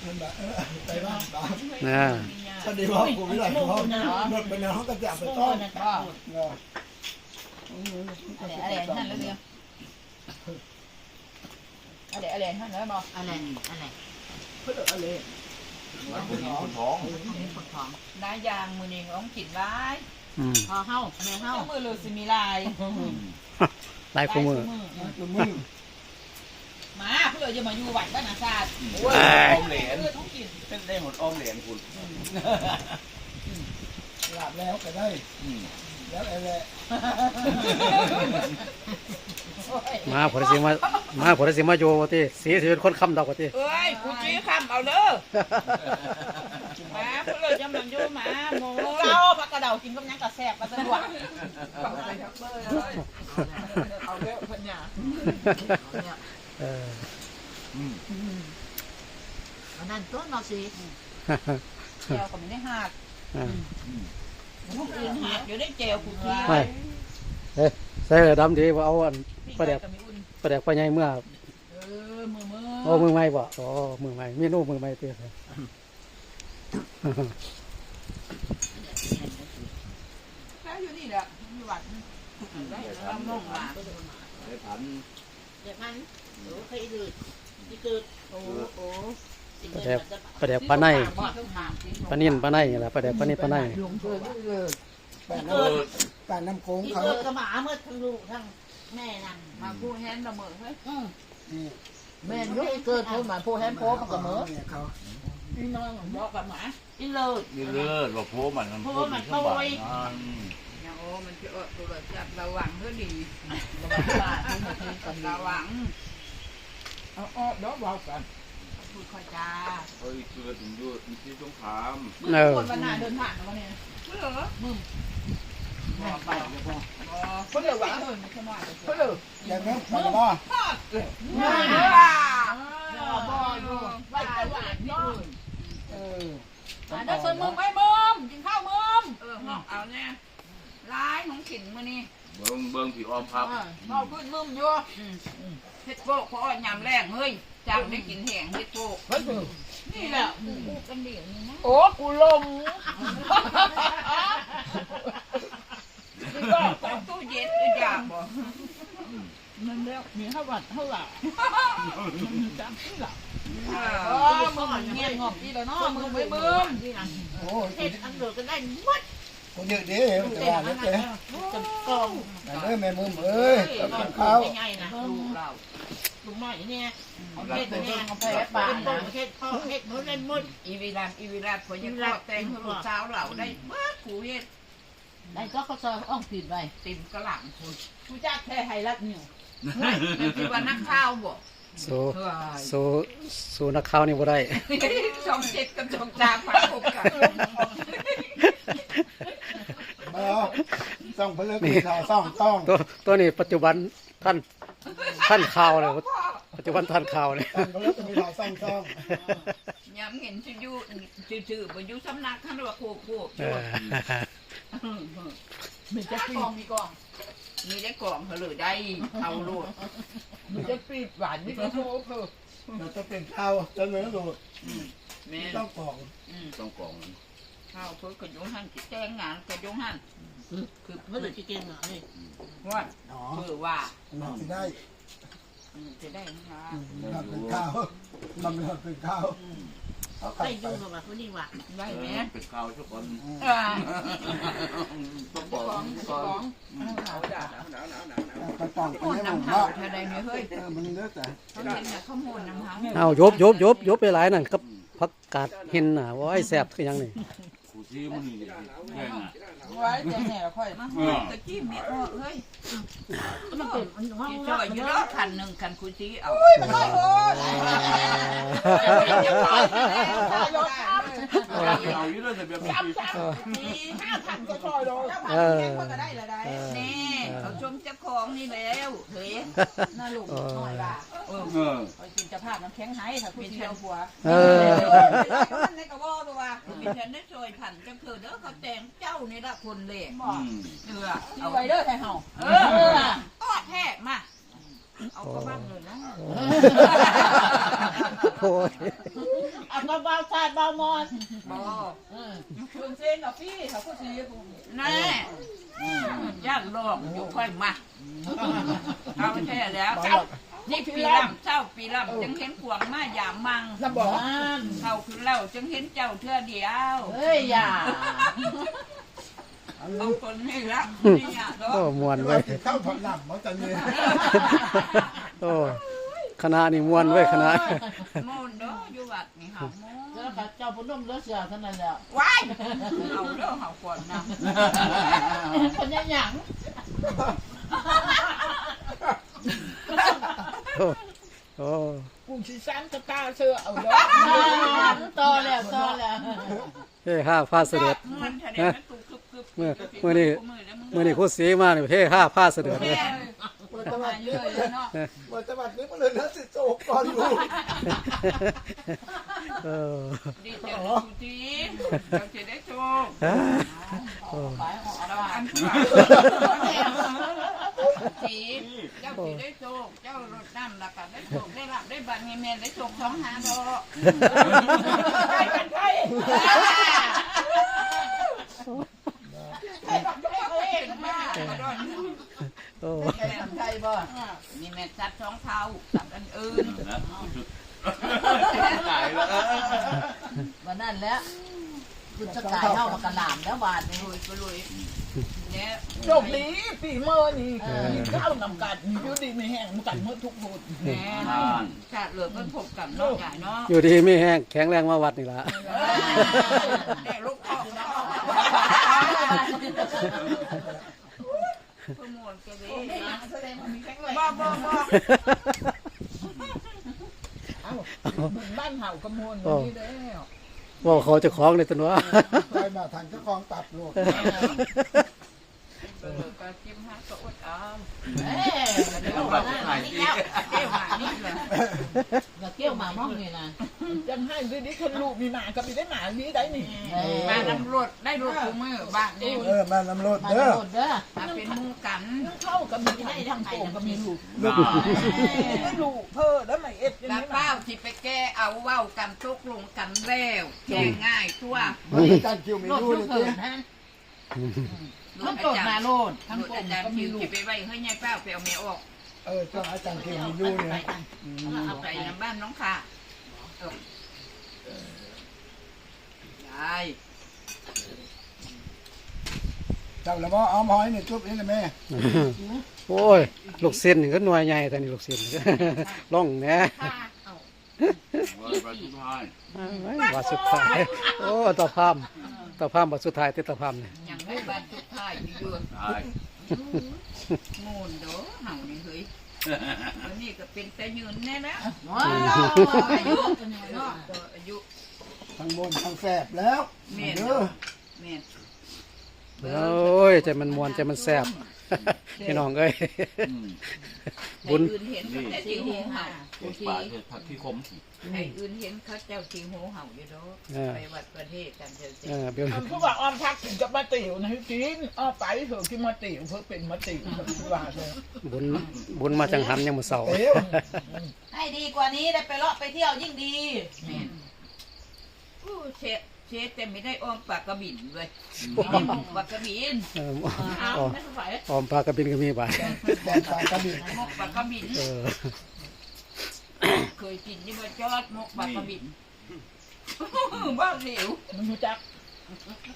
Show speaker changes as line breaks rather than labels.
ไปบ้าง
นะ
พอดีว่ากูไม่ได้เขาหมดไปแล้วเขาก็จะไปต้อน
อะไรนั่นแล้วเดียวอะไรนั่นแล้วบอกอะไรเพื่ออะไร
คนท้อง
น้ายางมือนี่ร้องกินร้าย
พอ
เฮ้าแม่เฮ้ามือเลยสิมีลาย
ลายคู่มือ
มาเพื่อจะมาอยู่วัดบ้านอาซาด
อมเหรียญเป็นได้หมดอมเหรียญคุณ
หลับแล้วก็ได้แล้วอะไร
มาผลสิมาโยว่าที่สีสิเป็นคนคำดอกว่าที่
เอ้ยกูจี้คำเอาเด้อมาเพื่อจะมาอยู่มาโมเราปลากระเดากินกับยังกระแสบกระสะดวกเอาเด้อพันยา
อันนั้นต้นเราสิ
เจียวก็ไม่ได้หักพวกอื่นหักเดี๋ยวได้เจียวกูกิน
ไม่ใส่ดำดีว่าเอาอันประเดี๋ยวปลาใหญ่เมื่อมือใหม่บ่มือใหม่เมนูมือใหม่เตี้ย
แล้วอยู่นี่แหละมีวัดได้ทำน้องมา
ได้ผัน
เดี๋ยวมันโอ้เคยดืดที่เกิดโอ้
ประเดี๋ยวปลาในปลานิ่นปลาในนี่แหละประเดี๋ยวปลานิ่นปลาใน
การน้ำโค้ง
ที่
เขา
เกิดกระหม่อมเมื่อทั้งลูกทั้งแม่นั่ง
มาผู้แฮนด์ละเมอเฮ้ย
แม่ยุคเกิดเขามาผู้แฮนด์โพมันก็เหมือ
เขา
พี่น้องบอกกับหมา
ที่เลิศ
ว่าโพมันโอ้มันจะ
ตัวจับระวังเพื่อดีระวังเดี๋ยวบอกกันพูดค่อยจ้า
เฮ้ยเกิดถึงด้วยที่สงคราม
คนวันหน้าเดินผ่านมาเนี่ยเหรอมึงไปเพื่อหวังเพื่อ
อย่างนั้นไปว่า
บ่อยู่ไว้จะหวานน้องได้ส่วนมึงไม่มึงกินข้าวมึงเอาเนี่ยร้ายของขินมานี่
เบิ้งผีออมครับ
เอาขึ้นมึงอยู่เฮ็ดโป๊กเพราะยำแรงเฮ้ยจังได้กินแห้งเฮ็ดโป๊กนี่แหละกูกันเดี๋ยวนี้นะโอ้กูลมก็ต้องตู้เย็นก็อยากบ่นั่นแล้วมีเท่าวัดเท่าหล่ะจังที่หล่ะมึงเงี้ยงอกดีแล้วเนาะมึงไม่มึง
โอ้
เห็ดอันเดือดก็ได้หมด
คนเยอะดีแต่ว่าเล็กเลย
กอง
แต่เมื่อแม่มึงเอ้ยกับข้าว
ใหญ่นะลูกเราลูกใหม่เนี่ยเห็ดเนี่ย
เอาไปป่านะ
เห็ดพ่อเห็ดมันเล่นมุด
อีวีรัดพอยังทอดแตงลูกสาวเราได้เมื่อกูเห็ด
ได้ก็เขาซอยอ่องติดไว้
ติ่มกระหล่ำกูจ้าแค่ไฮรัดนิวที่ว่านักข้าวบ่
สู้นักข้าวนี่บ่ได้
ช่องเจ็ดกับช่องจามมาพบกัน
ต้องเพื่อคือข่าวต้อง
ตัวนี้ปัจจุบันท่านข่าวเลยปัจจุบันท่านข่าวเลย
เพื่อจะมีข่าวต้อง
ย้ำเห็นชื่อๆบนยุสำนักท่านว่าโคมีจะกล่องมีกล่องมีได้กล่องเหลือได้เอาลูกมีจะปีดหวานนี่ก็โค้ก
เราจะเป็นข้าวจะเหลือลูกต้องกล่อง
ข้าวเพื่อกระยงหันแจ้งงานกระยงหัน
คือเมื่อไหร่จะเก่งอ่ะนี่
ว่าคือว่า
จะได้
จะได้นะ
เป็นข้าวมันเป็นข้าว
ได้ดูหรอวะคนนี้วะ
ได้ไหม
เป็นข้าวทุกคน
ต้องบอก
กระป๋องไปให้ผมว่ามันเลือกแต่
เอายบไปหลายนั่นกับผักกาดเห็นน่ะว่าไอ้แซ่บคือยังนี่
กูที่มันนี่แง่น่ะ
ไว้แง่ค่อยมาตะกี้เมียเฮ้ย
มันเป็นห้อง
จ่อยอยู่แล้วคันหนึ่งคันคุยจี้เอา
เอาอยู่เลยแต่แบบนี้
5,000ก็จ่อยเลยก็ได้ละได้นี่เขาชมเจ้าของนี่แล้วเฮ้ยน่าลูกหน่อยว่ากินจะภาพน้ำแข็งหายถ้าคุณเชียวหัวในกระบอกตัวเป็นฉันได้ช่วยผันจะเกิดเด้อเขาแต่งเจ้านี่ละคนเลยเอาไว้เด้อไทยเฮาอ้อแท้มาเอาเข้าบ้านเลยนะ
โอ้ย
เอามาเบาชาติเบามอน
บ่
คุณเส้นกับพี่เขาก็ซื้อ
แน่ย่างลอกอยู่ค่อยมาเอาแท้แล้วนี่ปีลำเจ้าปีลำจึงเห็นขวงมาอย่ามัง
ลำบอก
เขาคือเล่าจึงเห็นเจ้าเทื่อเดียว
เฮ้ยอย่า
เอาคนนี่ละนี่อย่าดอ
โอ้
ก
มวน
เรา
เว้ย
ติดข้าวผัดหนำมันจะเนี่ย
โอ้คณะนี่มวนเว้ยคณะ
โมนเด้ออยู่วัดนี่เฮาโมน
แล้วก็เจ้าพนุ่มเลือดเสือเท่านั้นแหละ
ว้ายเอาเด้อเฮาก่อนนะ
คนยังหยัง
โอ้
กูชิซันก็ตาเสือเอาเด้อต่อแล้ว
เฮ้ห้าผ้าเสด็จ
มันแสดงว่าตูกึบ
เมื่อนี่ครูสีมาเนี่ยเฮ้ห้าผ้าเสด็จเลย
วันจังหวัด
เรื่อยเลยเนาะ
วันจังหวัดนี้มันเลยนะสิโจกก่อนลูก
เออ
ดีเจ้าดูทีเจ้าจะได้โชค
ไปออก
เรา
บ้า
อั
น
นจีเจ้าจะได้โชคเจ้ารถน้ำแล้วก็ได้โชคได้รับได้บัตรเงินได้โชค2 5 ดอก
ใครเป็นใครใครบอกให้เขาเอง
มาม
าก
กระดอน
โอ้
ใครทำใครบ่
นี่แม่จัด2 เท้าจับอันอื่น
นะตายแล้ว
วันนั้นแล้วคุณจะกายเข้ามากระหล่ำแล้วบาทนี่
รวยก็รวยเนี่ย
โชคดีปีเมื่อนี่เข้านำกันอยู่ดีไม่แห้งกันเมื่อทุกคน
แม่ชาติเหลือก็พบกับน้องใหญ่เนาะ
อยู่ดีไม่แห้งแข็งแรงมาวัดนี่ละ
ได้ลูกพ่อแล้วขโมยกันเลยบ้า
บ้านเห่ากระมวลนี่แล้ว
ว่าเขาจะคล้องในตัว
ไปมาทางเจ้าของตับลูก
ก็จิ้มห้าก็อดเอา
เอ้ย
เอาแบบถ่ายดี
เกี่ยวมานี่เลย
เกี่ยวมามองนี่นะ
จังให้ดีดีคนลูกมีหมากับมีได้หมาดีได้นี่
มาตำรวจได้รถกูมือบ้านนี่
มาลำรถ
มา
เด้อ
โดดเด้อ
มาเป็นมูกัน
เข้ากับมีให้ทางโป่งกับมีลูก
ลูก
ไม่ลูกเพ้อแล้วไม่เอ็ดยัง
แล้ว
ไง
เป้าที่ไปแก้เอาเว้ากันตกลงกันแล้วแก้ง่ายทั่ว
มันมีการคิวมี
โลด
ดู
ทุก
เลย
คืนฮะมันโดดมาโลดทั้ง
รถ
โป่
อาง จาร
ก็
ย์
มี
คิว
ลู
ที่
ก
ไปไว้ให้ยายเป้าไปเอาเมียออก
เจ้าอาจารย์คิวมีดูเนี่ย
เอาไปน้ำบ้านน้องค่ะยาย
เจ้าละบ่เอาหอยนี่จุ๊บนี่เลยแม่
โอ้ยลูกเส้นนี่ก็หน่วยใหญ่แต่นี่ลูกเส้นล่องแหน่
วันสุดท้าย
ว่าสุดท้ายโอ้ตะพามว่าสุดท้ายที่ตะพามเนี่ย
อย่างได้บ้านสุดท้ายอยู่
ตาย
งูนเด้อเห่านี่เฮ้ยอันนี้ก็เป็นแต่ยืนแน่นะ
ว้าวอายุเนาะ
อายุ
ทางบนทางแสบแล้ว
เมียน
เด้อ
เมียน
โอ้ยใจมันมวนใจมันแซ่บพี่น้องเอ้ย บุญ
ให้อื่นเห็นเขาแต่ที่หูเห่า
เกิดป่าเกิดผักที่คม
ให้อื่นเห็นเขาเจ้าที่หูเห่าอยู่เด้อไปวัดประเทศกันเจ้าเจ้า
เบี้ยว
มันพูดว่าออมทักถึงกับมาติ๋วนะกินอ้อไปเถอะกินมาติ๋วเพื่อเป็นมาติ๋วว่าเลย
บุญมาจังหันยังมือเสา
เตี้ยว
ให้ดีกว่านี้ได้ไปเลาะไปเที่ยวยิ่งดี
เมียนอู้เช็ดแต่ไม่ได้อ้อมปากกระบิ่นเลยไม่ได้มองปากกระบิ่น
เอาไม่สบาย
ออมปลากระบินก็มีบ่าย
แดนปลากระบี่
มกปากกระบิ่น
เออ
เคยกินยี่ห้อจอดมกปากกระบิ่นบ้าเหลว
มันรู้จัก